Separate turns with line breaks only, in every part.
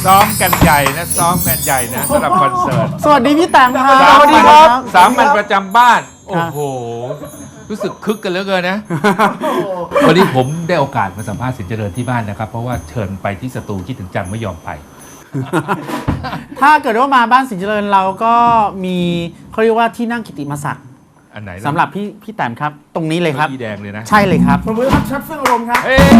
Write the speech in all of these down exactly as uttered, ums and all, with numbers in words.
ซ้อมกันใหญ่นะซ้อมกันใหญ่นะสำหรับคอนเสิร์ต
สวัสดีพี่แตมครับ
สาม
สวัสดี
วัน
ครับ
สามวันประจำบ้าน โอ้โห รู้สึกคึกกันเหลือเกินนะ วันนี้ผมได้โอกาสมาสัมภาษณ์สินเจริญที่บ้านนะครับ เพราะว่าเชิญไปที่สตูคิดถึงจังไม่ยอมไป
ถ้าเกิดว่ามาบ้านสินเจริญเราก็มีเขาเรียกว่าที่นั่งกิตติมศักดิ์
อันไหน
สำหรับพี่พี่แตมครับ ตรงนี้เลยครับ
อีแดงเลยนะ
ใช่เลยครับ
ผมมือครับชัดเฟื่องอารมณ์ครับ
เอ้ย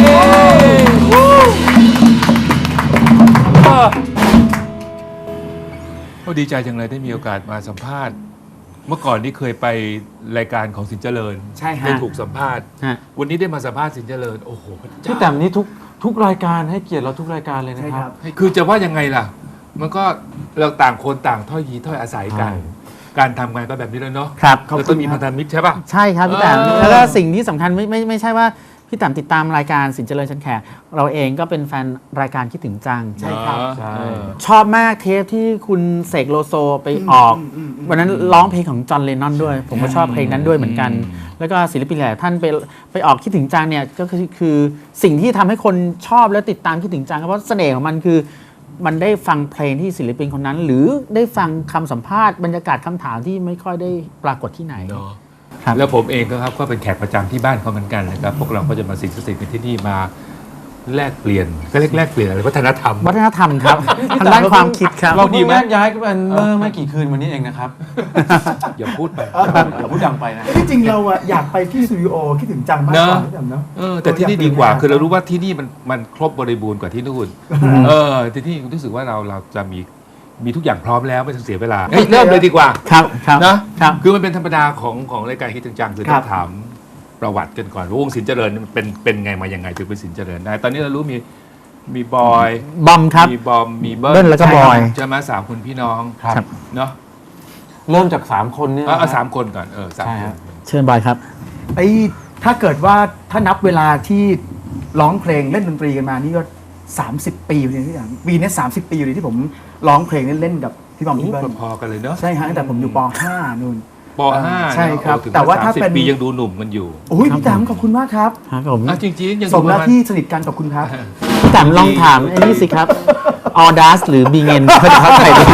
ก็ดีใจจังเลยได้มีโอกาสมาสัมภาษณ์ เมื่อก่อนนี่เคยไปรายการของสินเจริญ
ใช่ฮะ
ได้ถูกสัมภาษณ์
ฮะ
วันนี้ได้มาสัมภาษณ์สินเจริญ โอ้โหพระเจ้า
พี่แต้มนี่ทุกทุกรายการให้เกียรติเราทุกรายการเลยนะ
ใช่
ค
ค
รั
รับ บ
คือจะว่ายังไงล่ะ มันก็เราต่างคนต่างถ้อยยีถ้อยอาศัยกัน
ใช่
การทำงานก็แบบนี้แล้วเนาะ
ครับ
เราต้องมีพันธมิตรใช่ป่ะ
ใช่ครับพี่แตม
เออ
แล้วก็สิ่งที่สำคัญไม่ไม่ไม่ใช่ว่าพี่แตมติดตามรายการสินเจริญชันแขกเราเองก็เป็นแฟนรายการคิดถึงจัง
ใช่ครับ
ใช่
เออ
ชอบมากเทปที่คุณเสกโลโซไปออก วันนั้นร้องเพลงของจอห์นเลนนอนด้วย ผมก็ชอบเพลงนั้นด้วยเหมือนกัน แล้วก็ศิลปินหลายท่านไปไปออกคิดถึงจังเนี่ยก็คือคือสิ่งที่ทำให้คนชอบและติดตามคิดถึงจังเพราะเสน่ห์ของมันคือมันได้ฟังเพลงที่ศิลปินคนนั้น หรือได้ฟังคำสัมภาษณ์บรรยากาศคำถามที่ไม่ค่อยได้ปรากฏที่ไหน
เนาะ
ครับ
แล้วผมเองก็ครับก็เป็นแขกประจำที่บ้านเขาเหมือนกันนะครับ พวกเราก็จะมาสิงสถิตกันที่นี่มาแลกเปลี่ยนก็เรียกแลกเปลี่ยนอะไรวัฒนธรรม
วัฒนธรรมครับทางด้านความคิดครับ
เรา
ดี
ดี
ไหม
แยกย้ายกันเมื่อไม่กี่คืนวันนี้เองนะครับ
อย่าพูดไป
อย่าพูดดังไปนะ
ที่จริงเราอะอยากไปที่สตูดิโอคิดถึงจังมากกว่าที่จำเนาะ
เออแต่ที่นี่ดีกว่าคือเรารู้ว่าที่นี่มันมันครบบริบูรณ์กว่าที่นู่นเออที่นี่รู้สึกว่าเราเราจะมีมีทุกอย่างพร้อมแล้วไม่ต้องเสียเวลาเฮ้ยเริ่มเลยดีกว่า
ครับครับ
นะครับ คือมันเป็นธรรมดาของของรายการคิดถึงจังคือต้องถามประวัติกันก่อนว่าวงสินเจริญมันเป็นเป็นไงมายังไงถึงเป็นสินเจริญได้ตอนนี้เรารู้มีมีบอย
บอมครับ
มีบอมมีเบิ้
เบิ้ลแล้วก็บอย
ใช่ไหมสามคนพี่น้อง
ครับ
เนาะ
เริ่มจากสามคนเนี่ย
เอาเอาสามคนก่อนเออสาม
ใช่
ค
ครั
น
บ
เชิญบอยครับ
ไอ้ถ้าเกิดว่าถ้านับเวลาที่ร้องเพลงเล่นดนตรีกันมานี่ก็สามสิบปีอยู่เลยที่อย่างปีนี้สามสิบปีอยู่เลยที่ผมร้องเพลงเล่นๆกับพี่บอมพี่เบิ้ล
พอๆกันเลยเนาะ
ใช่ฮะตั้งแต่ผมอยู่ป .ห้า นู่น
ปห้า
ใช่ครับ
โอ้ถึง
แต่ว่าถ้า
สมสิบ
เป็น
ปียังดูหนุ่มกันอยู่
โอ้ยพี่แตมขอบคุณมากครับ
ครับผม
อ่ะจริงๆยัง
ส
ดู
ม
ป
แล้
ระ
ว
มาณ
ที่สนิทกันขอบคุณครับ
พี่แตมลองถามไอ้นี่สิครับออดัสหรือบีเงินเขาจะเข้าใจดี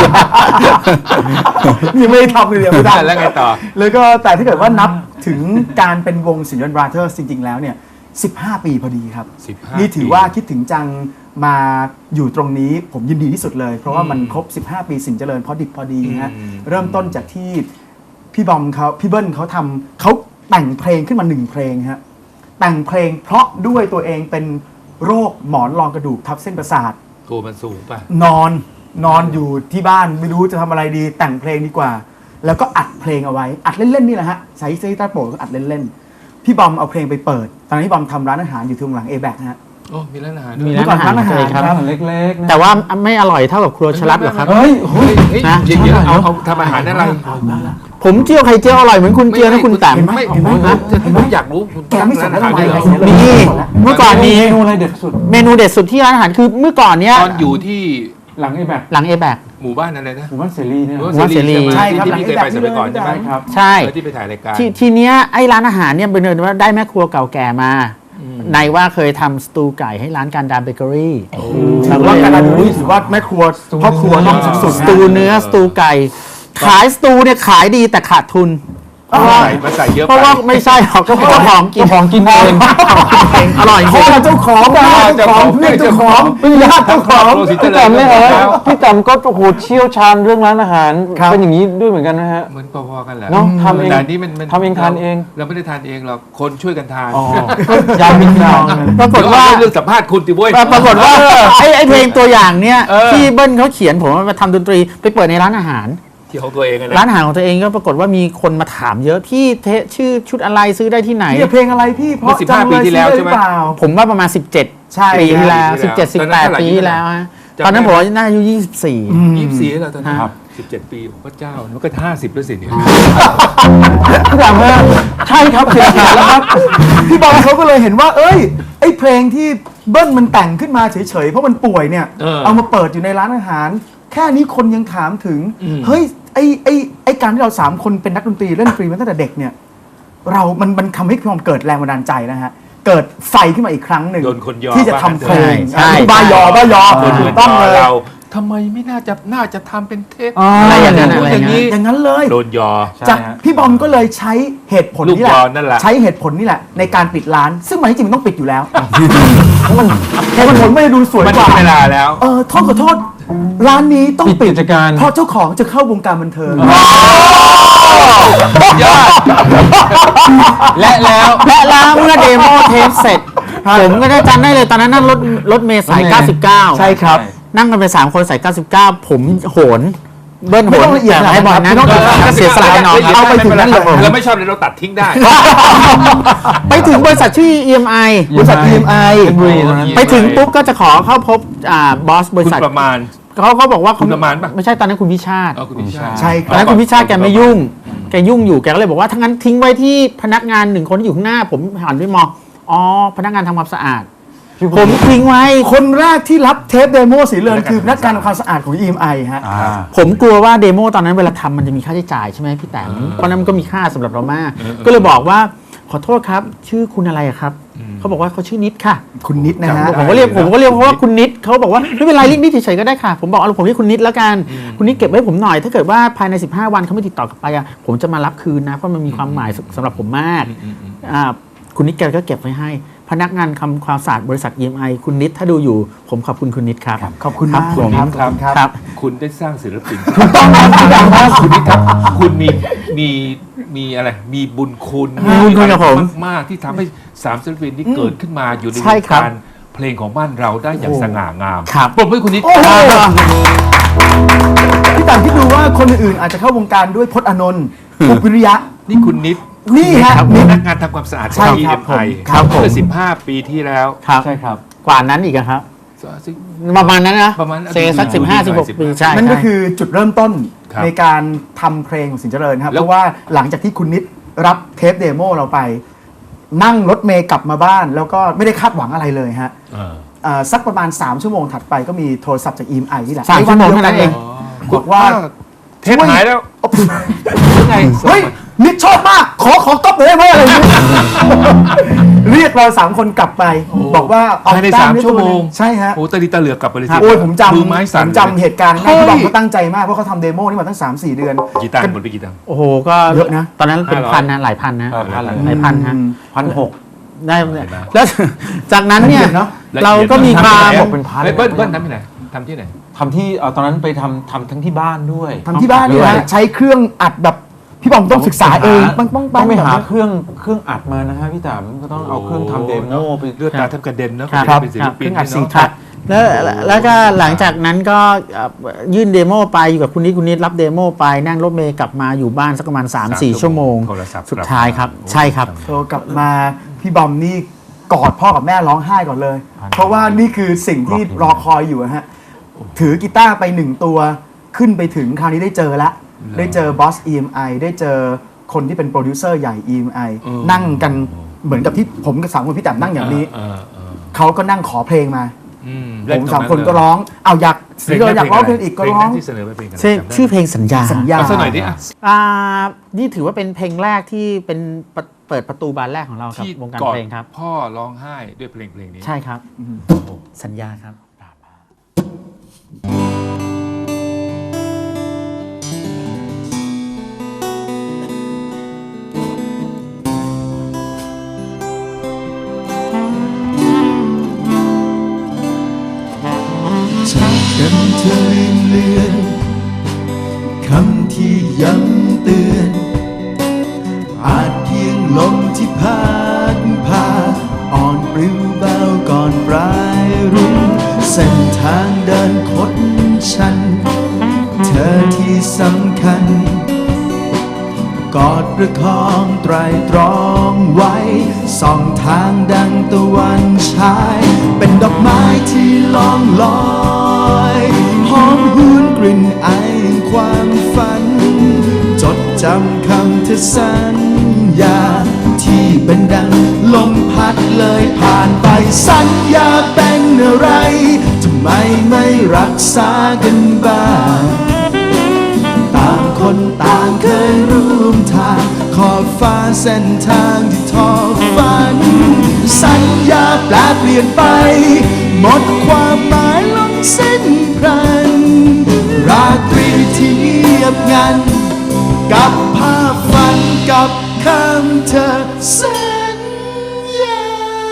ยังไม่ได้ทำเลยเดี๋ยวไม่ได้
แล้วไงต่อ
แล้วก็แต่ถ้าเกิดว่านับถึงการเป็นวงสินยนต์บราเธอร์จริง ๆ แล้วเนี่ยสิบห้าปีพอดีครับ
สิบห้า
นี่ถือว่าคิดถึงจังมาอยู่ตรงนี้ผมยินดีที่สุดเลย เพราะว่ามันครบ สิบห้า ปีสินเจริญพอดิบพอดีฮะ
อืม
เริ่มต้นจากที่พี่บอมเขาพี่เบิ้ลเขาทำเขาแต่งเพลงขึ้นมาหนึ่งเพลงฮะแต่งเพลงเพราะด้วยตัวเองเป็นโรคหมอนรองกระดูกทับเส้นประสาท
ตัวมันสูงป่ะ
นอนนอนอยู่ที่บ้านไม่รู้จะทำอะไรดีแต่งเพลงดีกว่า แล้วก็อัดเพลงเอาไว้อัดเล่นๆนี่แหละฮะใช้ซีตาร์โปรดก็อัดเล่นๆพี่บอมเอาเพลงไปเปิดตอนนั้นพี่บอมทำร้านอาหารอยู่ที่หลังเอแบกฮะ
โอ้มีร้านอาหารด้ว
มี
ย
ร้านอาหารของตัวเองครับ
ร้านอาหาร
เล็กๆนะ
แต่ว่าไม่อร่อยเท่ากับครัวชลัดหรอกครับ
เฮ้ย
เฮ้ยเฮ้ย
นะ
เดี๋ยวๆเอาเอาทำอาหารอะไร
ผมเจียวไข่เจียวอร่อยเหมือนคุณเจียวนะคุณแตม
ไม่
เห็นไหม
ไม่จะผมอยากรู้คุณ
แกไม่สน
ร้านอาหารด้วยเหรอ
ทำไม
มีเมื่อก่อนมี
เมนูอะไรเด็ดสุด
เมนูเด็ดสุดที่ร้านอาหารคือเมื่อก่อนเนี้ย
ตอนอยู่ที่
หลังไอ้แบบ
หลังเอแบก
หมู่บ้านอะไรนะ
หมู่บ้านเสรีเนี่ย
หมู่
บ้านเสรี
ใช่ครับ
ที่พี่เคยไปสมัยก่อนใช่ไหม
หลัง
ครับ
ใช่
เออที่ไปถ่ายรายการ
ที่ทีเนี้ยไอ้ร้านอาหารเนี่ยเป็นเนินว่าได้แม่ครัวเก่าแก่มาในว่าเคยทำสตูไก่ให้ร้านการดามเบเกอรี่
ถือว่าการดูนี่ถือว่าแม่ครัวพ่อครัวต้องสุด
สตูเนื้อสตูไก่ ขายสตูเนี่ยขายดีแต่ขาดทุน เพราะว่า
ใส่มาใส่เยอะ
เพราะ
ไป
ว่าไม่ใช่หรอกก็เจ้าของกินของกินเองอร่อยจ
พ่
ริ
อง เจ้าของบ้านเจ้าของเพื่อนเจ้าของญาติเจ้าของ
โลสิเจ
พี่
ริญ
แต้มเนี่ยเหรอ
แล้ว
พี่แต้มก็โอ้โหเชี่ยวชาญเรื่องร้านอาหาร
ครับ
เป็นอย่างนี้ด้วยเหมือนกันนะฮะ
เหมือนพอๆกันแหละ
เนอะทำเอง
แต่อันนี้มันมัน
ทำเองทานเอง
เราไม่ได้ทานเองหรอกคนช่วยกันทาน
อ๋อย้ำอีกครั้ง
ปรากฏว่า
เดี๋ยเอเรื่องสัมภาษณ์คุณติเว้ย
ปรากฏว่าไอ้ไอ้เพลงตัวอย่างเนี้ย
เออ
ที่เบิ้ลเขาเขียนผมว่ามาทำดนตรีไปเปิดในร้านอาหาร
ที่ของตัวเองอะนะ
ร้านอาหารของตัวเองก็ปรากฏว่ามีคนมาถามเยอะพี่เทชื่อชุดอะไรซื้อได้ที่ไหน
เนี่ยเพลงอะไรพี่เพราะจังเลยซื้อได้หรือเปล่า
ผมว่าประมาณ สิบเจ็ด
ใช่
ปีที่แล้ว
ปีที่
สิบเจ็ด
แล้ว
สิบแปด
ตอนนั้นเท่าไหร่
ปีที่แล้วฮะ
จำได้
ตอนนั้นผมน่าอายุยี่สิบสี่
ยี่สิบสี่แล้วตอนนั้น
ครับ
สิบเจ็ดปีผมก็เจ้ามันก็ห้าสิบแล้วสิเนี่ย
พี่แต้มฮะใช่ครับเสียหายแล้วครับ
พี่บอลเขาก็เลยเห็นว่า เอ้ยไอ้เพลงที่เบิ้ลมันแต่งขึ้นมาเฉยๆเพราะมันป่วยเนี่ย
เออ
เอามาเปิดอยู่ในร้านอาหาร แค่นี้คนยังถามถึง
อืม
เฮ้ยไอ้ไอ้ไอ้การที่เราสามคนเป็นนักดนตรีเล่นดนตรีมาตั้งแต่เด็กเนี่ยเรา มันมันทำให้พี่บอลเกิดแรงบันดาลใจนะฮะเกิดไฟขึ้นมาอีกครั้งหนึ่ง
โดนคนยอ
ที่จะทำเพลง
ใช่
บ้ายอบ้ายอ
คนอื่น
ต้อง
ต่
เล
อย เราทำไมไม่น่าจะน่าจะทำเป็นเทป
อะไรอย่างนั้น
พูด
อะไร
อ
อย่าง
ย่าง
นี้
นี้
อย่างนั้นเลย
โดนยอ
จากพี่บอมก็เลยใช้เหตุผลนี่แห
ลูกย
ละ
อนั่นแหละ
ใช้เหตุผลนี่แหละในการปิดร้าน ซึ่งมันจริงๆมันต้องปิดอยู่แล้วมันเหตุผลไม่ได้ดูสวย
มัน
กว่า
ถึงเวลาแล้ว
เออโทษขอโทษร้านนี้ต้อง
ปิด
ปิด
กิจการ
เพราะเจ้าของจะเข้าวงการบันเทิง
ยอด
และแล้วและแล้วเมื่อเดโมเทปเสร็จ ผมก็ได้จำได้เลยตอนนั้นนั่งรถรถเมล์สาย
รถเมล์
เก้าสิบเก้า
ใช่ครับ
นั่งกันไปสามคนสายเก้าสิบเก้าผมโหนเบิ้ลโห
ไม่
น
ต้องละเอียด
แต่ให้บอลนั้น
ไม่ต้องละเอียด
เสียสละให้น้องครับ
เอาไปถึงนั่นเลย
เราไม่ชอบเลยเราตัดทิ้งได้
ไปถึงบริษัทชื่อ อี เอ็ม ไอ
บริษัท อี เอ็ม ไอ
เพชรบุรีตอนนั้น
ไปถึงปุ๊บก็จะขอเข้าพบอ่าบอสบริ
คุณ
ษัท
ประมาณ
เขาเขาบอกว่า
คุณประมาณปะ
ไม่ใช่ตอนนั้นคุณวิชาติ
เอาคุณพิชาติ
ใช่ค
ตอน
รับ
นั้นคุณวิชาติแกไม่ยุ่งแกยุ่งอยู่แกก็เลยบอกว่าถ้างั้นทิ้งไว้ที่พนักงานหนึ่งคนที่อยู่ข้างหน้า ผมหันไปมองอ๋อพนักงานทำความสะอาด ผมทิ้งไว้
คนแรกที่รับเทปเดโมสีเรือนคือพนักงานทำความสะอาดของ อี เอ็ม ไอ ฮะ
อ่า
ผมกลัวว่าเดโมตอนนั้นเวลาทำมันจะมีค่าใช้จ่ายใช่ไหมพี่แต๋มเพราะนั้นมันก็มีค่าสำหรับเรามาก ก็เลยบอกว่าขอโทษครับ ชื่อคุณอะไรอะครับเขาบอกว่าเขาชื่อนิดค่ะ
คุณนิดนะฮะ
ผมก็เรียกผมก็เรียกเพราะว่าคุณนิดเขาบอกว่าไม่เป็นไรเรียกนิดเฉยๆก็ได้ค่ะ ผมบอกเอาผมเรียกคุณนิดแล้วกันคุณนิดเก็บไว้ผมหน่อย ถ้าเกิดว่าภายในสิบห้าวันเขาไม่ติดต่อกลับไปอะผมจะมารับคืนนะเพราะมันมีความหมายสำหรับผมมากอ่าคุณนิดแกก็เก็บไว้ให้พนักงานทำความสะอาดบริษัท อี เอ็ม ไอ คุณนิดถ้าดูอยู่ผมขอบคุณคุณนิดครับ
ขอบคุณมาก
ผม
ครับ
ครับ
ครับ
ครับ
คุณได้สร้างศิลปินถูกต้องครับคุณดังมากคุณนี่ครับ คุณมีมีมีอะไร มีบุญคุณ
มีบุญคุณกับผม
มากๆที่ทำให้สามศิลปินที่เกิดขึ้นมาอยู่ในว
ใช่
ง
ครับ
การเพลงของบ้านเราได้อย่าง
โอ้
สง่างาม
ครับ
ปรบมือให้คุณนิด
โอ้โหพี่ต่างที่ดูว่าคนอื่นๆอาจจะเข้าวงการด้วยพจน์อานนท์ภูวิริยะ
นี่คุณนิด
นี่ฮะ
ครับ
นิด
พนักงานทำความสะอาด
ใช่
ที่
ครับ
เอ็มไอ
ครับผม
เมื่อสิบห้าปีที่แล้ว
ครับ
ใช่ครับ
กว่านั้นอีกอะครับ ประมาณนั้นนะ
ประมาณ
เซสักสิบห้าสิบหกปีใช่
นั่นก็
ใช่
คือจุดเริ่มต้น
ครับ
ในการทำเพลงของสินเจริญครับ
แล้ว
เพราะว่าหลังจากที่คุณนิดรับเทปเดโมเราไป นั่งรถเมย์กลับมาบ้าน แล้วก็ไม่ได้คาดหวังอะไรเลยฮะ
เออ
เอ่อสักประมาณ สาม ชั่วโมงถัดไปก็มีโทรศัพท์จาก อี เอ็ม ไอ นี่แหละ
สามชั่วโมงเท่านั้นเอง
บอกว่า
เทปหายแล้วยังไง
เฮ้ยนิดชอบมาก ขอขอก๊อปหน่อยได้ไหมอะไรอย่างเงี้ย เรียกเราสามคนกลับไป บอกว่าเอ
ภายใน
แต้
สาม
ด้
ชั่วโมง
ใช่ฮะ
โอ้ตะลิตะเหลือกกลับไปเลยสิ
โอ้ยผมจำ
มือไม้สั่น
ผมจำเหตุการณ์ได้
เฮ้ย
ที่บอกเขาตั้งใจมากเพราะเขาทำเดโมนี่มาตั้ง สามสี่ เดือน
กี่ตังค์หมดไปกี่ตังค์
โอ้โหก็
เยอะนะ
ตอนนั้นเป็น
ห้าร้อย
พันนะหลายพันนะ
หลายพัน
หลายพันฮะ
พันหก
ได้
เห็นไหม
แล้วจากนั้นเนี่ย
ละเอียดเนอะ
เราก็มีความ
บอกเป็นพัน
เฮ้ยเบิ้ลเบิ้ลทำที่ไหนทำที่ไหน
ทำที่เอาตอนนั้นไปทำทำทั้งที่บ้านด้วย
ทำที่บ้านนี่
ด้วย
นะใช้เครื่องอัดแบบพี่บอมต้องศึกษาเองปังปังปั
ต้อง งไปหา
แบบ
เครื่องเครื่องอัดมานะฮะพี่ตามก็ต้องเอาเครื่องทำเดโมไป
เลือดตาแทบกระเด็นเนอะ
ครับ
เป็นศิลปิน
ครับ
เนอะ
ครับแล้วแล้วก็หลังจากนั้นก็เอ่อยื่นเดโมไปอยู่กับคุณนิดคุณนิดรับเดโมไปนั่งรถเมย์กลับมาอยู่บ้านสักประมาณ สามสี่ ชั่วโมง
โทรศัพท์
สุดท้ายครับ ใช่ครับ
โทรกลับมาพี่บอมนี่กอดพ่อกับแม่ร้องไห้ก่อนเลย เพราะว่านี่คือสิ่งที่รอคอยอยู่อะฮะถือกีตาร์ไปหนึ่งตัวขึ้นไปถึงคราวนี้ได้เจอละได้เจอบอส อี เอ็ม ไอ ได้เจอคนที่เป็นโปรดิวเซอร์ใหญ่ อี เอ็ม ไอ นั่งกันเหมือนกับที่ผมกับสามคนพี่แต้มนั่งอย่างนี้
เออเออ
เขาก็นั่งขอเพลงมา
อืม
ผมสามคนก็ร้อง เอาอยากสิงเกิลอยากร้องเพลงอีกก็ร้อง
ที่เสนอไปเพลงอะไร
ชื่อ
จำได้ไหม
ชื่อเพลงสัญญา
สัญญา
เอาสักหน่อยดิอ่ะ
อ่านี่ถือว่าเป็นเพลงแรกที่เป็นเปิดเปิดประตูบานแรกของเราครับ
ที่
วงการ
ก่อน
เพลงครับ
พ่อร้องไห้ด้วยเพลงเพลงนี้
ใช่ครับ
โอ้โห
สัญญาครับ
จากกันเธอลืมเลือนคำที่ย้ำเตือน อาจเพียงลมที่พัดพาอ่อนปลิวเบาก่อนปลายรุ่งเส้นทางเดินคดชัน เธอที่สำคัญ กอดประคองไตรตรองไว้ส่องทางดังตะวันฉายเป็นดอกไม้ที่ล่องลอยหอมหวนกลิ่นไอแห่งความฝัน จดจำคำเธอสัญญาที่เป็นดังลมพัดเลยผ่านไปสัญญาเป็นอะไรทำไมไม่รักษากันบ้างต่างคนต่างเคยร่วมทางขอบฟ้าเส้นทางที่ทอฝันสัญญาแปลเปลี่ยนไปหมดความหมายลงสิ้นพรันทียบงัน กับภาพฝันกับคำเธอสัญญา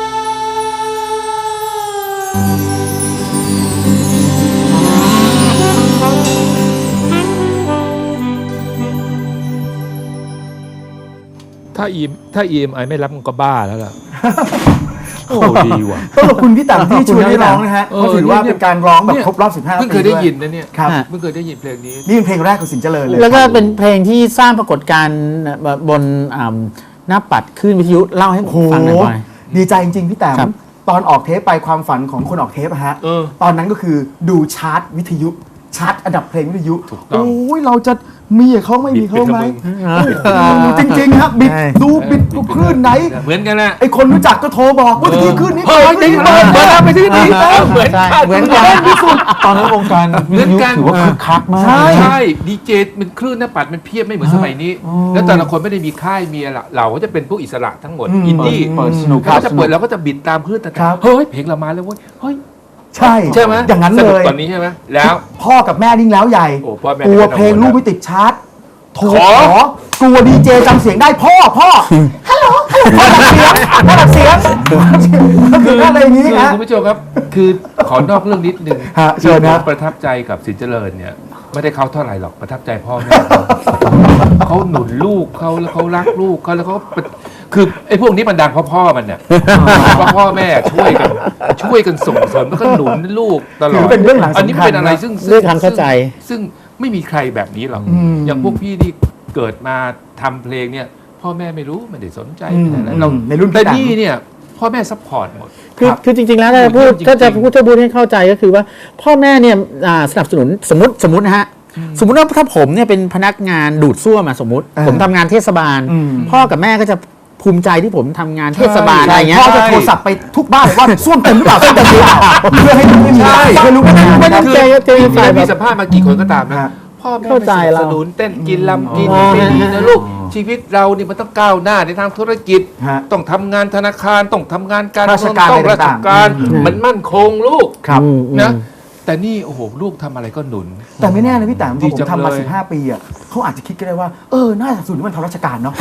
ถ้าอีถ้า อี เอ็ม ไอ ไม่รับมันก็บ้าแล้วล่ะ โอ้ดีว่ะ
ต้องขอบคุณพี่ต่ำที่ช่วยให้ร้องนะฮะ
เออ
ก็ถือว่าเป็นการร้องแบบครบรอบสิบห้า
เพิ่ง
ปี
เคยได้
ด้วย
ยินนะเนี่ย
ครับ
เพิ่งเคยได้ยินเพลงนี้
นี่เป็นเพลงแรกของสินเจริญเลย
แล้วก็เป็นเพลงที่สร้างปรากฏการณ์บนอ่าหน้าปัดคลื่นวิทยุเล่าให้ผ
โอ้
ม
โห
ฟังหน่อยบ่อย
ดีใจจริงๆพี่แต้ม
ครับ
ตอนออกเทปไปความฝันของคนออกเทปอะฮะ
เออ
ตอนนั้นก็คือดูชาร์ตวิทยุชาร์ตอันดับเพลงวิทยุ
ถูกต้อง
โอ้ยเราจะมีเขาไม่มีเขาไหม
บิด
โอ้โหจริงๆครับบิด
ใช่
ดูบิดคลื่นไหน
เหมือนกันแหละ
ไอคนรู้จักก็โทรบอกว่าที่คลื่นนี้
เฮ้ย
เปิ
จริ
ด
ง
เปิ
เปิ
ด
ด
เปิด
เปิดไปที่นี่
อ่า
เหมือน
ใช่
กัน
เหมือนกัน
ตอนนั้นวงการวิทยุถือว่าคึกคักมาก
ใช่
ใช่ดีเจมันคลื่นหน้าปัดมันเพียบไม่เหมือนสมัยนี้ แล้วแต่ละคนไม่ได้มีค่ายมีอะไรเราก็จะเป็นพวกอิสระทั้งหมด
อืม
อินดี้
เปิดสนุก
เราก็จะเปิดเราก็จะบิดตามคลื่นแต่
ครับ
เฮ้ยเพลงเรามาแล้วเว้ยเฮ้ย
ใช่
ใช่ไหม
อย่างนั้น
ส
เล
นุก
ย
กว่านี้ใช่ไหมแล้ว
พ่อกับแม่ยิ่งแล้วใหญ่
โอ้พ่อแม่
กลัว
ไม่ต้อง
เพลง
กังวล
ลูกไม่ติดชาร์ตโทร
ขอ
ขอกลัวดีเจจำเสียงได้พ่อพ่อฮัลโหลฮัลโหลพ่อดับเสียงพ่อดับเสียงคืออะไรอย่างนี้
คือ
ฮะ
คุณผู้ชมครับ คือขอนอกเรื่องนิดนึง
ฮะเชิญ
คือ
นะ
ผมประทับใจกับสินเจริญเนี่ย ไม่ได้เขาเท่าไหร่หรอกประทับใจพ่อแม่เขาเขาหนุนลูกเขาแล้วเขารักลูกเขาแล้วเขาเป็นคือไอ้พวกนี้มันดังเพราะพ่อมันเนี่ยเพราะพ่อแม่ช่วยกันช่วยกันส่งเสริมแล้วก็หนุนลูกตลอ
ถื
ด
อเป็นเรื่องหลังสำคัญ
อันนี้เป็นอะไรซึ่งซึ่ง
เรื่องความเข้าใจ
ซึ่งซึ่งไม่มีใครแบบนี้หรอก
อืม
อย่างพวกพี่ที่เกิดมาทำเพลงเนี่ย พ่อแม่ไม่รู้ไม่ได้สนใจ
อืม
ไม่ได้อะไรเรา
อืมในรุ่นพี่
แต่
ต่าง
นี่เนี่ยพ่อแม่ซัพพอร์ตหมด
คือ
ครับ
คือจริงๆแล้วถ้าจะพูด
จริงๆ
ถ้าจะพูดถ้าพูดให้เข้าใจก็คือว่าพ่อแม่เนี่ยอ่าสนับสนุนสมมติสมมตินะฮะสมมติว่าถ้าผมเนี่ยเป็นพนักงานดูดซ่วมอะสมมติ
เออ
ผมทำงานเทศบาล
อืม
พ่อกับแม่ก็จะภูมิใจที่ผมทำงานเทศบาลอะไรอย่างเงี้ย
พ่อจะโทรศัพท์ไปทุกบ้านเลยว่าส้วมเต็มหรือเปล่าส้วมเต็มหรือเปล่าเพื่อให้ลูกไม่มี
ใช่
เพื่อลูกไม่มี
ไม่
นะค
ต้
รั
อบ งใจเจอ
มี
ฝ่ายแบ
มี
บ
สัมภาษณ์มากี่คนก็ตามนะ
ฮะ
พ่อแม่
เข้าใจ
ไม่สนับ
เรา
สนุนเต้นกินลำกิน
อ๋อ
ไม่ดีนะลูกชีวิตเรานี่มันต้องก้าวหน้าในทางธุรกิจ
ฮะ
ต้องทำงานธนาคารต้องทำงานการ
ราชการ
ต้อง
อะไร
ราช
ต่างๆ
การ
อืม
มันมั่นคงลูก
ครับ
อืมอืม
นะแต่นี่โอ้โหลูกทำอะไรก็หนุน
แต่ไม่แน่นะพี่แต้มพ
ดี
อผม
จัง
ทำมา
เลย
สิบห้าปีอ่ะเขาอาจจะคิดก็ได้ว่าเออน่าจะสนับสนุนให้มันทำราชการเนาะ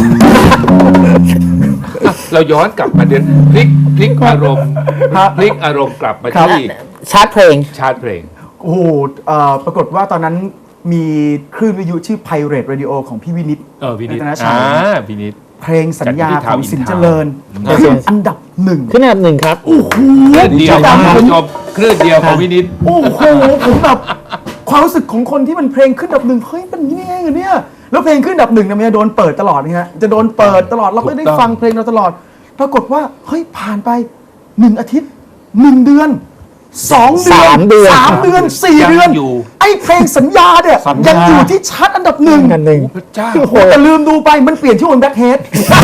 อ่ะเราย้อนกลับมาเดือนพลิกพลิกอารมณ์
ครับ
พลิกอารมณ์กลับมา
ครับ
ที่
ชาร์ตเพลง
ชาร์ตเพลง
โอ้โหเอ่อปรากฏว่าตอนนั้นมีคลื่นวิทยุชื่อ Pirate Radio ของพี่วินิต
เออวินิต
รัตนชัย
อ่าวินิต
เพลงสัญญา
จากที่
ของ
ทาวน์
สิน
อิน
เจ
ทาวน์
ริญ
อืม
เป็นอันดับหนึ่ง
ขึ้นอันดับหนึ่งครับ
โอ้โห
คลื่นเดียว
จำ
นะ
ผ
คุณ
ม
ผู้ชมคลื่นเดียวของวินิต
โอ้โหผมแบบความรู้สึกของคนที่มันเพลงขึ้นอันดับหนึ่งเฮ้ยเป็นยังไงกันเนี่ยแล้วเพลงขึ้นอันดับหนึ่งเนี่ยมันจะโดนเปิดตลอดนะฮะจะโดนเปิดตลอดเราก็ได้
ถูกต้อง
ฟังเพลงเราตลอด ปรากฏว่าเฮ้ยผ่านไปหนึ่งอาทิตย์หนึ่งเดือนสองเดือน
สามเดือน
สามเดือนสี่
ยัง
เดือน
อยู่
ไอ้เพลงสัญญาเนี่ย
สัญญายั
ยังอยู่ที่ชาร์ตอันดับหนึ่ง
อันหนึ่ง
พระเจ้า
โอ้โหแต่ลืมดูไปมันเปลี่ยนชื่อเป็นแบล็คเฮด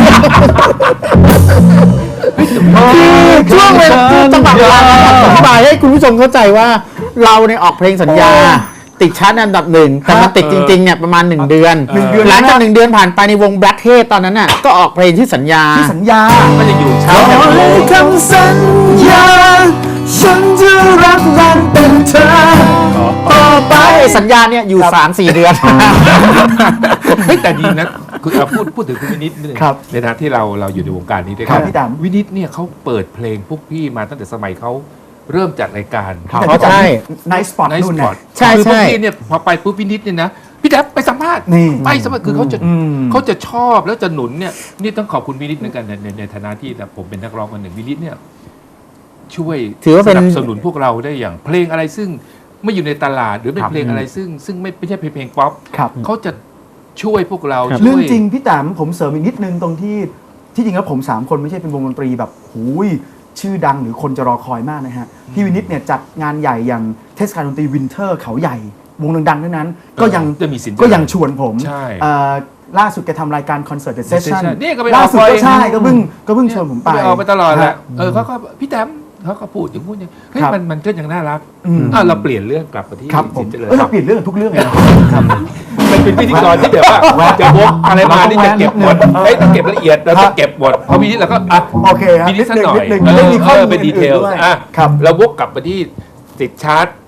ช่วงเวลาจังหวะเวลาอธิบายให้คุณผู้ชมเข้าใจว่าเราเนี่ยออกเพลงสัญญา ติดชาร์ตอันดับหนึ่งแต่มันติดจริงๆเนี่ยประมาณหนึ่งเดือน
หนึ่งเดือน
หลังจาก
นะ
หนึ่งเดือนผ่านไปในวง Black Head ตอนนั้นน่ะก็ออกเพลงที่สัญญา
ที่สัญญา
ก็จะอยู่ชาร์ต
ขอให้คำสัญญา ฉันจะรักมันเป็นเธอต่อไป
ไอ้สัญญาเนี่ยอยู่ สามสี่เดือน
เฮ้ยแต่ดีนะคือเอาพูดพูดถึงคุณวินิตนิดนึง
ครับ
ในฐานะที่เราเราอยู่ในวงการนี้ด้วย
ครั
กับ น
พี่ดำ
วินิตเนี่ยเขาเปิดเพลงพวกพี่มาตั้งแต่สมัยเขาเริ่มจัดรายการ
แต่
เขา
ก็จะ
ใช่
ไนท์สปอต
ในส
นู่น
ปอ
เนี่
ร์ต
ย
ใช่
คือพวก
ใช่
พี่เนี่ยพอไปปุ๊บวินิตเนี่ยนะพี่แดบไปสัมภาษณ์
นี่
ไปสัมภาษณ์คือเขาจะ
อืม
เขาจะชอบแล้วจะหนุนเนี่ยนี่ต้องขอบคุณวินิตเหมือนกันในในในฐานะที่แบบผมเป็นนักร้องคนหนึ่งวินิตเนี่ยช่วย
ถือว่า
ส
เป็น
นับสนุนพวกเราได้อย่างเพลงอะไรซึ่งไม่อยู่ในตลาดหรือเป็น
ครับ
เพลงอะไรซึ่งซึ่งไม่ไม่ใช่เพลงเพลงป๊อป
ครับ
เขาจะช่วยพวกเรา
ครับ
ช่วย
เรื่องจริงพี่แต้มผมเสริมอีกนิดนึงตรงที่ที่จริงแล้วผมสามคนไม่ใช่เป็นวงดนตรีแบบหูยชื่อดังหรือคนจะรอคอยมากนะฮะพี่วินิตเนี่ยจัดงานใหญ่อย่างเทศกาลดนตรีวินเทอร์เขาใหญ่ วงดังๆทั้งนั้น ก็ยัง
จะมีสิน
ก็ยังชวนผม
ใช่
เอ่อล่าสุดแกทำรายการคอนเสิร์ตเดอะเซสชั่น
Session นี่ก็ไป
ล่าสุด
ออก
ก็
ไป
ใช่ก็เพิ่งก็เพิ่งชวนผมไป
เอาไปตลอดแหละ
ฮะ
เออเขาก็พี่แต้มเขาก็พูดอย่างพูดอย่างเฮ้ย
ครับ
มันมันก็ยังน่ารัก
อืม
อ่ะเราเปลี่ยนเรื่องกลับมาที่
ครับผ
สิ
ม
นเจริญ
เออเราเปลี่ยนเรื่องทุกเรื่องเลยนะ
มันเป็นพิธีกรที่แบบว่าจะวกอะไรมานี่จะเก็บหมดเฮ้ยต้องเก็บละเอียดเราต้องเก็บหมดพอมีนี้เราก็อ่ะ
โอเคครับ
มีนิดสักหน่อย
นิดนึง
เอ
นิดนึง
อ
ได้มีข้อ
เอ
มู
อ
ล
เป็นดีเทล
อื่นๆด้วย
อ่ะ
ครับ
เราวกกลับมาที่ติดชาร์ต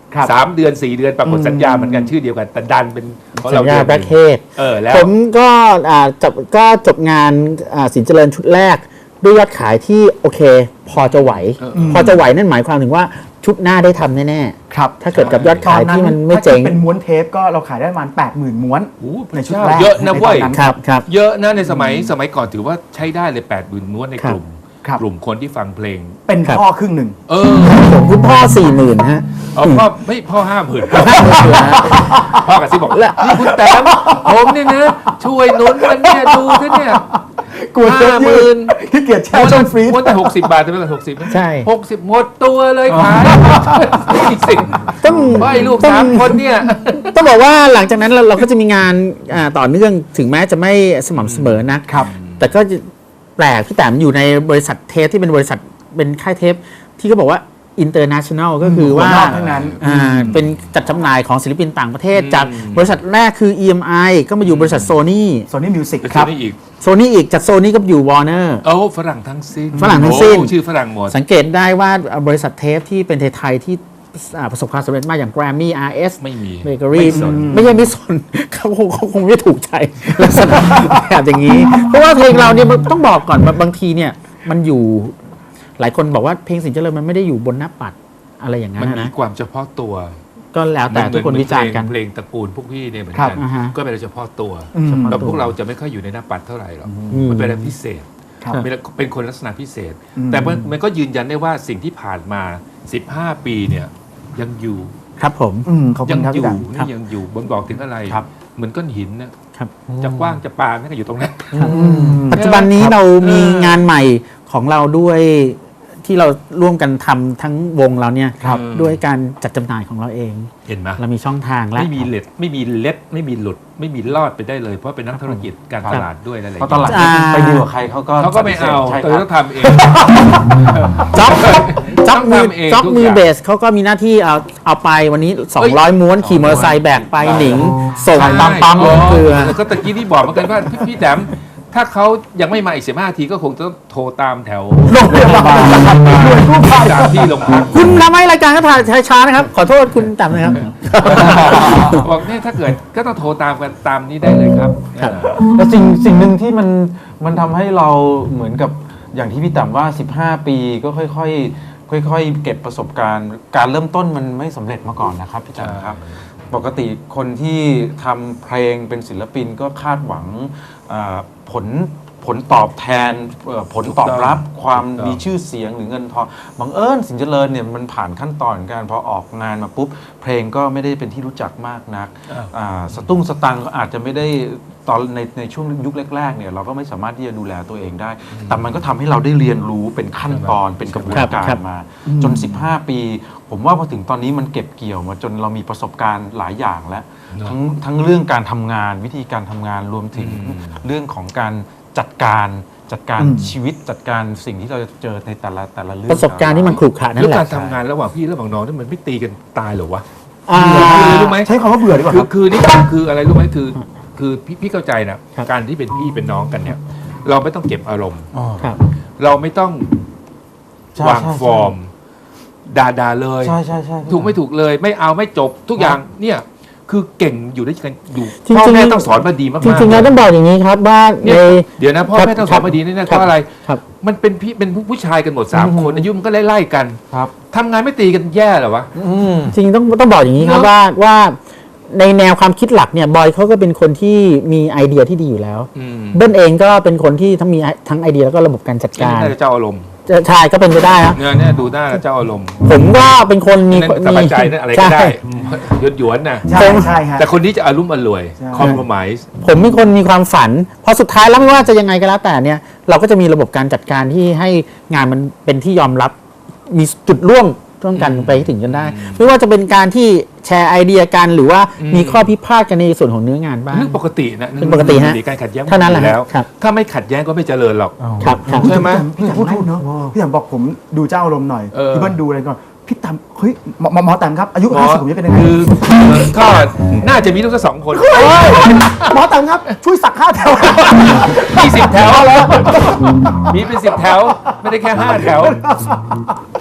ครับ
สามเดือนสี่เดือนปรากฏสัญญาเหมือนกันชื่อเดียวกันแต่ดันเป็นของ
สั
เรา
ญญา
ดือนหนึ่ง
แบล็คเฮด
เออแล้ว
ผมก็อ่าจบก็จบงานอ่าสินเจริญชุดแรก ด้วยยอดขายที่โอเค พอจะไหว พอจะไหวนั่นหมายความถึงว่าชุดหน้าได้ทำแน่
ครับ
ๆ ถ้าเกิดกับยอดขายที่มันไม่เจ๋ง
ถ้าเป็นม้วนเทปก็เราขายได้ประมาณแปดหมื่นม้วน
โอ้โห
ในชุดแรก
เยอะนะเว้ย
ใตอ
ครับครับ
เยอะนะในสมัยสมัยก่อนถือว่าใช้ได้เลยแปดหมื่นม้วนในกลุ่ม
ครับ
กลุ่มคนที่ฟังเพลง
เป็น
ครับ
พ่อครึ่งหนึ่ง
เออ
ผมคุณพ่อสี่หมื่นฮะ
เอาพ่อไม่พ่อห้าหมื่นพ่อกระซิบบอกนี่คุณแต้มผมเนี่ยนะช่วยหนุนมันเนี่ยดูซะเนี่ย
กลัวเทป
ห้าห
ยื
มื่
ด
น
ขี้เกียจแช่ช่องฟรีซ
ม้วนแต่หกสิบบาทแต่ไม่เป็นหกสิบ
ใช่
หกสิบหมดตัวเลยขายไม่สิ
ต้อง
ไม่ลูกสามคนเนี่ย
ต้องบอกว่าหลังจากนั้นเราเราก็จะมีงานอ่าต่อเนื่องถึงแม้จะไม่สม่ำเสมอนะครับ แต่ก็จะแปลกพี่แต้มอยู่ในบริษัทเทปที่เป็นบริษัทเป็นค่ายเทปที่เขาบอกว่า international ก็คือว่า
คนนอกทั้งนั้น
อ่าเป็นจัดจำหน่ายของศิลปินต่างประเทศ จากบริษัทแรกคือ อี เอ็ม ไอ ก็มาอยู่บริษัทโซนี่
โซนี่มิวสิก
ค
ค
รั
รั
บบ นี่อีก
โซนี่อีกจากโซนี่ก็อยู่วอร์เนอร์
เอ้าฝรั่งทั้งสิ้น
ฝรั่งทั้งสิ้น
โอ้ชื่อฝรั่งหมด
สังเกตได้ว่าบริษัทเทปที่เป็นไทยๆที่อ่าประสบความสำเร็จมากอย่าง Grammy อาร์ เอส
ไม่มี
เบเกอรี่
ไม่สน
ไม่ใช่ไม่สน เขาคงเขาคงไม่ถูกใจลักษณะแบบอย่างนี้ เพราะว่าเพลงเราเนี่ยมันต้องบอกก่อนว่าบางทีเนี่ยมันอยู่หลายคนบอกว่าเพลงสินเจริญมันไม่ได้อยู่บนหน้าปัดอะไรอย่างนั้
มัน
น
มี
นะ
ความเฉพาะตัว
ก็แล้วแต่ทุกคนวิจารณ์กัน
เพลงตระกูลพวกพี่เนี่ยเหมือน
ครั
กับ น
อ่าฮะ
ก็เป็นเฉพาะตัว
อืม
แต่พวกเราจะไม่ค่อยอยู่ในหน้าปัดเท่าไหร่หรอก
อืม
มันเป็นอะไรพิเศษ
ครับ
เป็นเป็นคนลักษณะพิเศษ
อืม
แต่มันมันก็ยืนยันได้ว่าสิ่งที่ผ่านมาสิบห้าปีเนี่ยยังอยู่
ครับผม
อืมขอบคุ
ยั
ณครับ
อ
พี่
ยู่
ดัง
นี่ยังอยู่บนบอกถึงอะไร
ครับ
เหมือนก้อนหินนะครับ จะกว้างจะปานนั่นก็อยู่ตรงนั้น
ปัจจุบันนี้
ครับ
เรามี
เออง
านใหม่ของเราด้วยที่เราร่วมกันทำทั้งวงเราเนี่ย
ครับ
ด้วยการจัดจำหน่ายของเราเอง
เห็นไหม
เรามีช่องทางแล้ว
ไม่มีเล็ดไม่มีเล็ดไม่มีหลุด ไม่มีรอดไปได้เลย เพราะเป็นนักธุรกิจการตลาดด้วยนั่นแหละ
เพราะตลาด
อ่า
ไปดีลกับใครเขาก็
เขาก็ไม่เอา
ใช่
เอ
ค
อ
รับ
ต้องทำเอง
จ็อบจ็อบมือ
ทำเอง
จ็อบ
ทุก
มือ
อย่าง
เบสเขาก็มีหน้าที่เอาเอาไปวันนี้ สองร้อย ม้วนขี่มอเตอร์ไซค์แบกไปหนิง ส่งตามปั๊ม
อ๋อ
เกลือ
แล้วก็ตะกี้ที่บอกเหมือนกันว่าพี่พี่แดมถ้าเขายังไม่มาอีกสิบห้าทีก็คงจะต้องโทรตามแถว
โรงพยาบาลหน่วยกู้ภัย
จากที่โรงพัก
คุณทำให้รายการก็ถ่ายช้านะครับ ขอโทษคุณต่ำนะครับ
บอกเนี่ยถ้าเกิดก็ต้องโทรตามกันตามนี้ได้เลยครับ
ครับ
แล้วสิ่งสิ่งหนึ่งที่มันมันทำให้เราเหมือนกับอย่างที่พี่ต่ำว่า สิบห้า ปีก็ค่อยๆค่อยๆ เก็บประสบการณ์ การเริ่มต้นมันไม่สำเร็จมาก่อนนะครับพี่ต่ำครับ ปกติคนที่ทำเพลงเป็นศิลปินก็คาดหวังอ่าผลผลตอบแทนเอ่อผลตอบรับความมีชื่อเสียงหรือเงินทองบังเอิญสินเจริญเนี่ยมันผ่านขั้นตอนการพอออกงานมาปุ๊บ เพลงก็ไม่ได้เป็นที่รู้จักมากนัก
อ้าว
อ่าสตุ้งสตังค์ก็อาจจะไม่ได้ตอนในในช่วงยุคแรกๆเนี่ยเราก็ไม่สามารถที่จะดูแลตัวเองได้ แต่มันก็ทำให้เราได้เรียนรู้เป็นขั้นตอนเป็นกระบวน
ครับ
การ
ครับ
มา จน สิบห้า ปี ผมว่าพอถึงตอนนี้มันเก็บเกี่ยวมาจนเรามีประสบการณ์หลายอย่างแล้ว
เนอะ
ทั้งทั้งเรื่องการทำงานวิธีการทำงานรวมถึง
อืม
เรื่องของการจัดการจัดการ
อืม
ชีวิตจัดการสิ่งที่เราจะเจอในแต่ละแต่ละเรื่อง
ประสบการณ์ที่มันขรุขระนั่
แล้ว
นแห
การ
ละ
ทำงานระหว่างพี่ระหว่างน้องนี่มันไม่ตีกันตายเหรอวะ
อ่า
คือรู้ไหม
ใช้คำว่าเบื่อดีกว่า
คื
ค
อ
รับ
คือนี่คืออะไรรู้ไหมคือ คือพี่พี่เข้าใจนะครับ การที่เป็นพี่เป็นน้องกันเนี่ย เราไม่ต้องเก็บอารมณ์
อ๋อ
ครับ
เราไม่ต้อง
ใช่
วาง
ใช่
ฟอร์มด่าด่าเลย
ใช่ใช่ใช่
ถูกไม่ถูกเลย ไม่เอาไม่จบทุกอย่างเนี่ยคือเก่งอยู่ด้วยกันอยู่
จริงๆ
พ่อแม่ต้องสอนมาดีมากๆ
จริงๆแล้วต้องบอกอย่างนี้ครับว่า
เนี่
ใน
ยเดี๋ยวนะพ่อ
ครับ
แม่ต้องสอนมาดีนี่นะเพ
ครับ
ราะอะไร
ครับ
มันเป็นพี่เป็นผู้ชายกันหมดสามคนอายุมันก็ไล่ๆกัน
ครับ
ทำงานไม่ตีกันแย่เหรอวะ
อืม
จริงๆต้องต้องบอกอย่างนี้ครับ
เนอะ
ว่าว่าในแนวความคิดหลักเนี่ยบอยเขาก็เป็นคนที่มีไอเดียที่ดีอยู่แล้ว
อืม
เบิ้ลเองก็เป็นคนที่ทั้งมีทั้งไอเดียแล้วก็ระบบการจัด
นี่
การ
น่าจะเจ้าอารมณ์
จะใช่ก็เป็นไปได้นะ
เนี่ยเนี่ยดูหน้าแล้วเจ้าอารมณ์
ผมก็เป็นคนมี
นั่นสบายใจนั่นอะไรก็ได้
ใช่
หยวนหยวนๆนะ
ใช่ใช่ฮะ
แต่คนนี้จะอารมณ์อร่วย
ใช่
คอมโพมส์
ผมเป็นคนมีความฝันพอสุดท้ายแล้วไม่ว่าจะยังไงก็แล้วแต่เนี่ยเราก็จะมีระบบการจัดการที่ให้งานมันเป็นที่ยอมรับมีจุดร่วมร่วมกันไปให้ถึงจนได้ ไม่ว่าจะเป็นการที่แชร์ไอเดียกันหรือว่ามีข้อพิพาทกันในส่วนของเนื้องานบ้าง
เรื่องปกตินะ
เป็นปกติฮะ
การขัดแย้ง
เท่านั้นแหละ
อยู่แล้ว
ครับ
ถ้าไม่ขัดแย้งก็ไม่เจริญหรอก
ครับครับ
ใช่ไหม
พี่แตมพูดเนาะพี่แตมบอกผมดูเจ้าอารมณ์หน่อย
เออ
พี่เบิ้ลดูอะไรก่อนพี่แตมเฮ้ยหมอหมอหมอแตมครับอายุ
หมอ
ห้าสิบผมจะเป็นยังไง
คือเอ่อก็น่าจะมีลูกสักสองคน
หมอแตมครับช่วยสักห้าแถว
มีสิบแถวแล้วมีเป็นสิบแถว ไม่ได้แค่ห้าแถว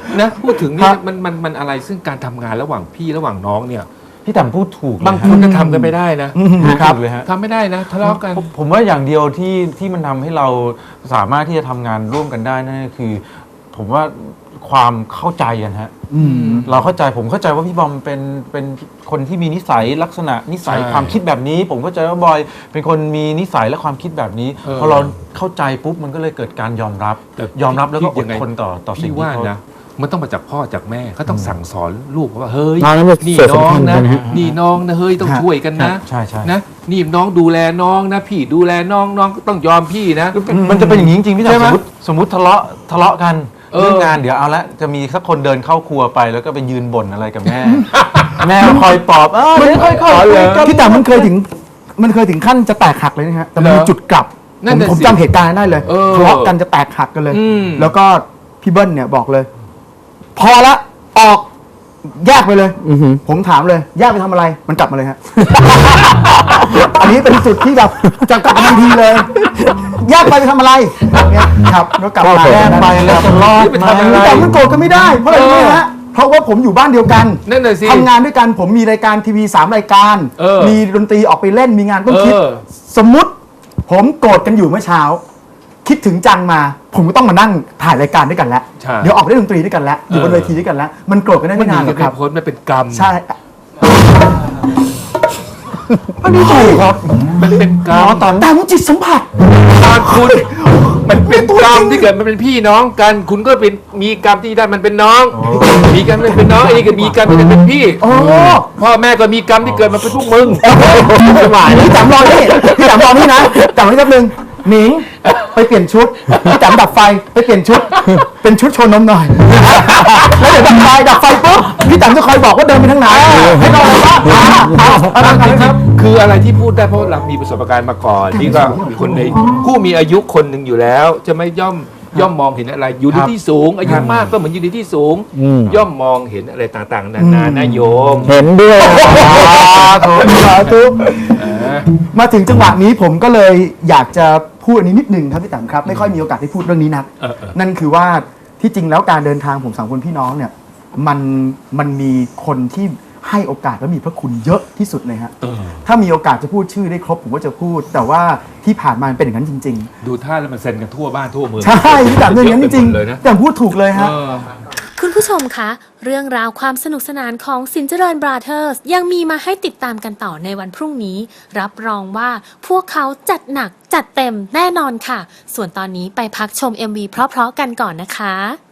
นะพูดถึง
ครั
นี่
บ
มันมันมันอะไรซึ่งการทำงานระหว่างพี่ระหว่างน้องเนี่ย
พี่ต่ำพูดถูกเลย
บางคนก็ทำกันไม่ได้นะ
ครับเลยฮะ
ทำไม่ได้นะทะเลาะกัน
ผมผมว่าอย่างเดียวที่ที่มันทำให้เราสามารถที่จะทำงานร่วมกันได้นั่นก็คือ ผมว่าความเข้าใจกันฮะ
อืม
เราเข้าใจผมเข้าใจว่าพี่บอมเป็นเป็นคนที่มีนิสัยลักษณะนิสัย
ใช่
ความคิดแบบนี้ ผมเข้าใจว่าบอยเป็นคนมีนิสัยและความคิดแบบนี้
เออ
พอเราเข้าใจปุ๊บมันก็เลยเกิดการยอมรับ
แต่
ยอมรับแล้วก็อ
ยั
ด
งไง
ทนต่อต่อสิ่ง
พี่
ที่
ว่า
เขา
นะมันต้องมาจากพ่อจากแม่เขาต้องสั่งสอนลูกว่าเฮ้ย
น้องนั้นเป็น
นี่
ส่วน
น้อง
สำคัญ
นะ
นะฮะ
นี่น้องนะเฮ้ยต้อง
ครับ
ช่วยกันนะ
ใช่ใช่
นะนี่น้องดูแลน้องนะพี่ดูแลน้องน้องก็ต้องยอมพี่นะ
มันจะเป็นอย่างนี้จริงๆพี่
ใช่
จ๋า
ไหม
สมมติสมมติทะเลาะทะเลาะกัน
เออ
เรื่องงานเดี๋ยวเอาละจะมีสักคนเดินเข้าครัวไปแล้วก็ไปยืนบ่นอะไรกับแม่ แม่คอยปลอบเออเดี๋ยวค่อยๆคุยกัน
พี่แต่มันเคยถึงมันเคยถึงขั้นจะแตกหักเลยนะฮะแต่มันมี
เหรอ
จุดกลับ
นั่
ผ
น
ม
น่ะ
ผม
สิ
จำเหตุการณ์ได้เลย
เออ
ทะเลาะกันจะแตกหักกันเลย
อืม
แล้วก็พี่เบิ้ลเนี่ยบอกเลย พอละออกแยกไปเลย
อือหือ
ผมถามเลยแยกไปทำอะไรมันกลับมาเลยฮะ อันนี้เป็นจุดที่แบบจะกลับมาทันทีเลยแยกไปไปทำอะไรเนี่ยครับแล้วกลับมา
แยกไปแล้วจะรอด
ไปทำอะไร
แต่มันโกรธกันไม่ได้เพราะอะไรรู้ไหมฮะเพราะว่าผมอยู่บ้านเดียวกัน
นั่นน่ะสิ
ทำงานด้วยกันผมมีรายการทีวีสามรายการ
เออ
มีดนตรีออกไปเล่นมีงานต้องคิด
เออ
สมมุติผมโกรธกันอยู่เมื่อเช้า คิดถึงจังมา ผมก็ต้องมานั่งถ่ายรายการด้วยกันแล้ว
ใช่
เดี๋ยวออกไปเล่นดนตรีด้วยกันแล้วอยู่บน
เออ
เวทีด้วยกันแล้ว มันโกรธกันได้
มัน
ไม่
หนี
นานหร
กั
อน ก
ไม่
ครับ
พ้นมันเป็นกรรม
ใช่
อันนี้ถูกครับ มันเป็นกรรม
แต่มันจิตสัมผัส
ตอนคุณมันเป็นกรรมที่เกิดมันเป็นพี่น้องกัน คุณก็เป็นมีกรรมที่ได้มันเป็นน้อง มีกรรมที่เป็นน้องไอ้นี่ก็มีกรรมที่เป็นพี่
โอ้
พ่อแม่ก็มีกรรมที่เกิดมาเป็นพวกมึง
ไม่ไหวพี่จำรอนี่พี่จำรอนี่นะจำไว้แป๊บนึงหนิงไปเปลี่ยนชุดพี่จำดับไฟไปเปลี่ยนชุด เป็นชุดโชว์นมหน่อย แล้วเดี๋ยวดับไฟดับไฟปุ๊บพี่จำจะคอยบอกว่าเดินไปทางไหนให้เราเลยว่าอ่าอ่าอะไรครับ
คืออะไรที่พูดได้เพราะเรามีประสบการณ์มาก่อน นี่ก็มีคนในผู้มีอายุคนหนึ่งอยู่แล้ว จะไม่ย่อมย่อมมองเห็นอะไร อยู่ในที่สูง อายุมากก็เหมือนอยู่ในที่สูง
อืม
ย่อมมองเห็นอะไรต่างๆนานานะโยม
เห็นด้วย
สาธุมาถึงจังหวะนี้ผมก็เลยอยากจะพูดอันนี้นิดหนึ่งครับพี่แต๋มครับ ไม่ค่อยมีโอกาสได้พูดเรื่องนี้นัก
เออเออ
นั่นคือว่าที่จริงแล้วการเดินทางผมสามคนพี่น้องเนี่ยมันมันมีคนที่ให้โอกาสและมีพระคุณเยอะที่สุดเลยฮะ
เออ
ถ้ามีโอกาสจะพูดชื่อได้ครบผมก็จะพูด แต่ว่าที่ผ่านมามันเป็นอย่างนั้นจริง
ดูท่าแล้วมันเซ็นกันทั่วบ้านทั่วเมือง
ๆ ใช่พี่แต๋มเป็นอย่างนั้นจริง
เลยนะ
ๆแต่พูดถูกเลยฮะ
เออ
คุณผู้ชมคะ เรื่องราวความสนุกสนานของสินเจริญบราเธอร์สยังมีมาให้ติดตามกันต่อในวันพรุ่งนี้ รับรองว่าพวกเขาจัดหนักจัดเต็มแน่นอนค่ะ ส่วนตอนนี้ไปพักชม เอ็ม วี เพราะๆกันก่อนนะคะ